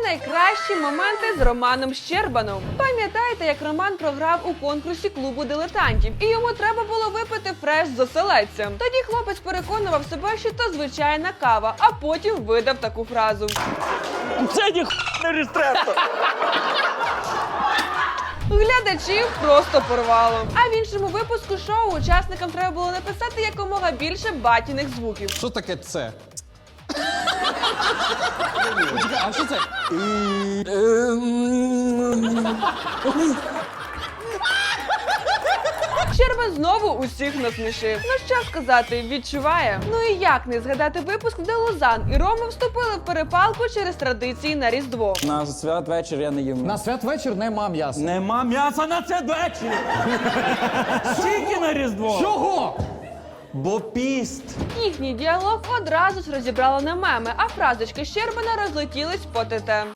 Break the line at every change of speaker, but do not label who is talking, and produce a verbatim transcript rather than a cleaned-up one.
найкращі моменти з Романом Щербаном. Пам'ятаєте, як Роман програв у конкурсі клубу дилетантів, і йому треба було випити фреш з оселедцем. Тоді хлопець переконував себе, що то звичайна кава, а потім видав таку фразу.
Це ніхуя не рестретто.
Глядачів просто порвало. А в іншому випуску шоу учасникам треба було написати якомога більше батіних звуків.
Що таке це? Почекай, а що це?
Щербан знову усіх насмішив. Ну що сказати, відчуває. Ну і як не згадати випуск, де Лузан і Рома вступили в перепалку через традиції на Різдво.
На святвечір я не їм.
На святвечір нема м'яса.
Нема м'яса на святвечір. Тільки на Різдво.
Чого?
Бо піст.
Їхній діалог одразу ж розібрало на меми, а фразочки Щербана розлетілись по ТТ.